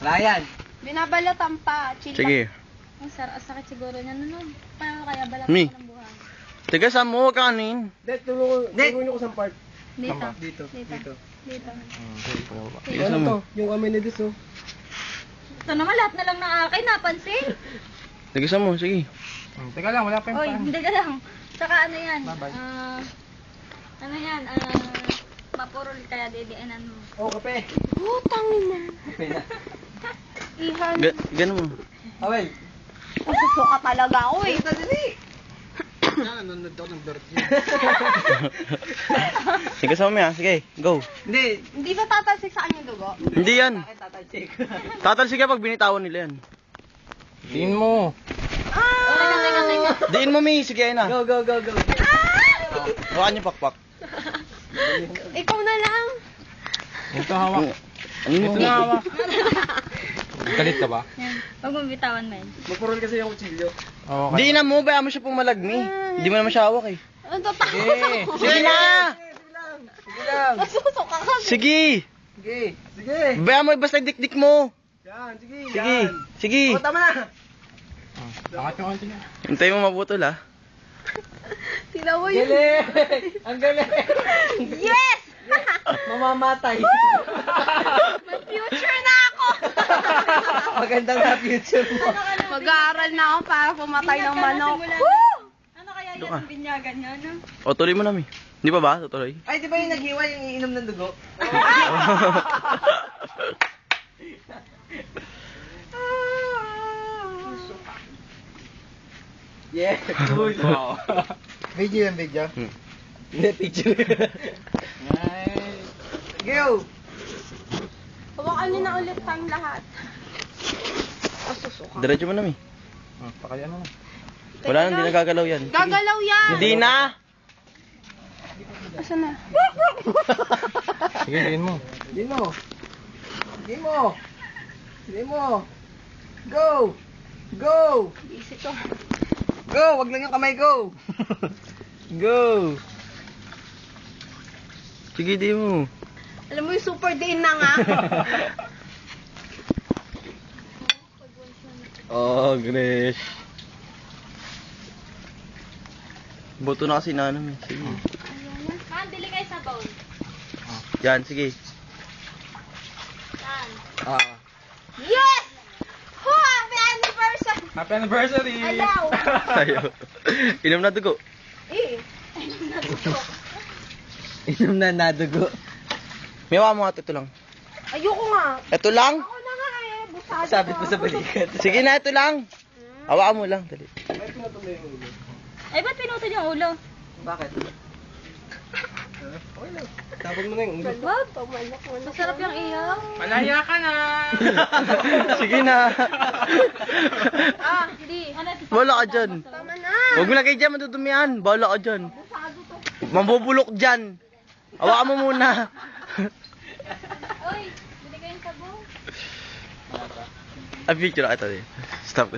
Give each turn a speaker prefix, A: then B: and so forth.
A: Bayan.
B: Binabalatan pa. Chill
C: Sige.
D: Ang sakit siguro niya nun. Paano kaya balatan
C: Mi.
D: ko ng buhang?
C: Tiga saan mo kanin?
A: Dek, tulungan niyo ko sa part.
D: Dito.
A: Dito.
D: Dito. Dito.
C: Tiga
A: Ano
C: saan
A: to?
C: mo?
A: Yung amenities oh.
D: Ito naman lahat na lang ng akin, napansin.
C: Tiga saan mo? Sige.
A: Teka lang, wala pa
D: Oy, hindi ka lang. Saka ano yan?
A: Bye-bye.
D: Ano yan? Mapurol kaya didianan mo.
A: Oh, kape.
B: Putangin na.
A: Kape na.
B: Ihan.
C: Ganun mo.
A: Awel.
B: Susuka talaga ako eh.
A: Ito, dali. Nanonood ako ng bird yun.
C: Tiga saan mo yan? Sige, go.
A: Hindi.
B: Hindi ba tatalsik sa kanya dugo?
C: Hindi yan.
A: Bakit tatalsik?
C: Tatalsik ka pag binitawan nila yan.
A: Tingin mo.
D: Teka.
C: Diin mo, Mi. Sige, ayun na.
A: Go, go, go, go.
C: Hawakan niyo pakpak.
B: Ikaw na lang.
A: Ito hawak.
C: Ano mo?
A: Ito na hawak. Galit ka ba?
D: Yan. Huwag mong bitawan, men.
A: Magpurol kasi yung kutsilyo. Oo.
C: Diin na mo, bayaan mo siya pumalagmi. Hindi mo naman siya hawak eh.
B: Ano to?
A: Sige.
C: Sige na!
A: Sige lang.
B: Masusuka ka.
C: Sige!
A: Sige. Sige.
C: Bayaan mo, basta dikdik mo.
A: Yan, sige.
C: Sige.
A: Yan.
C: Sige.
A: Oh, tama na. Angat yung konti niya.
C: Hintay mo mabutol ha.
B: Tila mo yun.
A: Galing! Ang galing!
B: Yes!
A: Mamamatay.
B: May future na ako.
A: Magandang na future mo.
B: Mag-aaral na ako para pumatay ng manok.
D: Ano kaya
C: Doon
D: yan?
C: ka.
D: Ang binyagan niya, no?
C: O, tuloy mo na, Mi. Di ba ba? Tutuloy.
A: Ay, di ba yung naghiwa yung iinom ng dugo? Yeah, cool. Wow. Video yan, video. Hindi, picture. Nice. Go!
B: Hawakan niyo na ulit tayong lahat. Masusuka.
C: Diretso mo na, Mi.
A: Pakaya na.
C: Wala na, hindi nagagalaw yan. Sige.
B: Gagalaw yan.
C: Hindi na!
B: Asan na?
A: Sige, diin mo. Diin mo. Diin mo. Diin mo. Go! Go!
B: Easy to.
A: Go! Wag lang yung kamay, go! Go!
C: Sige, di mo.
B: Alam mo yung super day na nga.
C: Oh, Grace. Boto na kasi nanam eh. Sige.
D: Man, bili kayo sa bowl.
C: Yan, sige.
D: Yan.
A: Ah.
B: Yes! Ho! Happy anniversary!
A: Happy anniversary!
B: Ayaw!
C: Ayaw. Inom na dugo.
B: Eh.
A: Inom na nadugo.
C: May hawa mo nga, ito lang.
B: Ayoko nga.
C: Ito lang?
B: Ako na nga eh. Busado
A: Sabit
B: ko.
A: mo sa balikat.
C: Sige na, ito lang. Hawakan mo lang, dali.
A: Ay, pinatuloy yung ulo.
D: Ay, ba't pinutol yung ulo?
A: Bakit? Okay lang. Tapon mo na yung ulo.
B: Wag, pamalak mo na.
D: Masarap yung iyaw.
A: Malaya ka na!
C: Sige na.
D: Hindi. Ano,
C: Wala ka dyan.
B: Tama na.
C: Huwag mo lagay dyan, madudumihan. Bahala ka dyan.
B: Busado to.
C: Mambubulok dyan. Hawakan mo muna.
D: Uy, bili kayo sa bowl.
C: Ay, picture na ito. Stop.